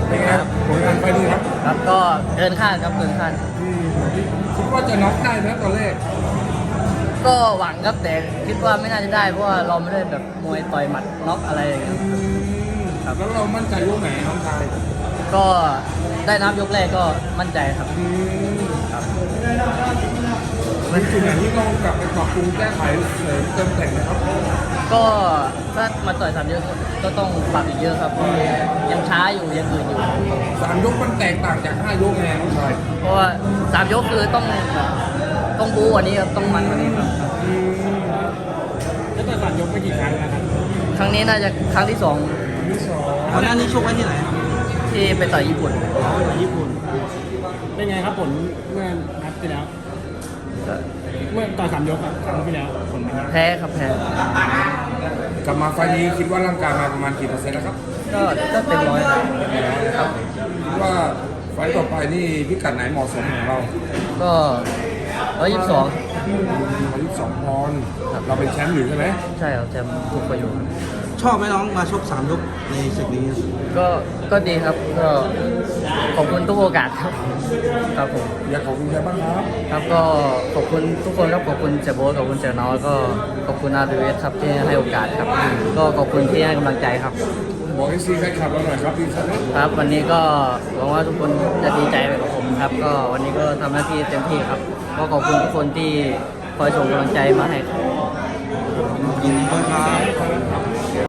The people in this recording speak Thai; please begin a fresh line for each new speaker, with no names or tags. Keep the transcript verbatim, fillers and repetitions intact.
เป็นไงครับผลงานไฟล์นี้ครับ
ครับก็เกินคาดครับเกินคาด
อืมคิดว่าจะน็อกได้ไหมตอนแรก
ก็หวังครับแต่คิดว่าไม่น่าจะได้เพราะว่าเราไม่ได้แบบมวยต่อยหมัดน็อกอะไรอย่างเงี้ย
อืม
ครับ
แล้วเรามั่นใจยกไหนน้องชาย
ก็ได้นับยกแรกก็มั่นใจครับ
อืม
ครับ
มันจุดไหนที่ต้องกลับไปปรับปรุงแก้ไขเสริมเติมแต่งนะครับ
ก็ถ้ามาต่อยสามยกก็ต้องปรับอีกเยอะครับเพราะยังช้าอยู่ยังอื่นอยู่
สามยกมันแตกต่างจากห้ายกไงน้องชาย
เพราะว่าสามยกคือต้องต้องบู๊กวันนี้ครับต้องมันกวันนี้ครับ
อืม
แล้วต่อยสามยกไปกี่ครั้งนะครับ
ครั้งนี้น่าจะครั้งที่สอง
ที่สอง
ก่อนหน้านี้ชกไว้ที่ไหนครับ
ที่ไปต่อยญี่ปุ่น
อ๋อต่อยญี่ปุ่น เป็นไงครับผลเมื่อนัดที่แล้ว
ก็
เมื่อต่อยสามยกอะครั้งที่แล้วผลเป็นไง
แพ้ครับแพ้
กลับมาไฟล์นี้คิดว่าร่างกายมาประมาณกี่เปอร์เซ็นต์แล้วครับ
ก็ก็เต็มร้อยครับครับ
คิดว่าไฟล์ต่อไปนี่พิกัดไหนเหมาะสมของเรา
ก็ร้อยยี่สิบสอง
ร้อยยี่สิบสองปอนด์เราเป็นแชมป์อยู่ใช่ไหม
ใช่ครับแชมป์ทุกประโยชน์
ชอบไหมน้องมาชกสามยกในศึกนี้
ก็ก็ดีครับก็ขอบคุณทุกโอกาสครับครับผม
อยากขอบคุณใครบ้างครับ
ครับก็ขอบคุณทุกคนครับขอบคุณเจโบ๊ทขอบคุณเจน้อยก็ขอบคุณอาร์ดีเอสครับที่ให้โอกาสครับ ก็ขอบคุณที่ให้กำลังใจครับ
บอกให้ซีแฟนคลับเราหน่อยครับพี่ครับ
ครับวันนี้ก็หวังว่าทุกคนจะดีใจไปกับผมครับ ก็วันนี้ก็ทำหน้าที่เต็มที่ครับ ก็ขอบคุณทุกคนที่คอยส่งกำลังใจมาให้ครับ
ยินดีด้วยครับ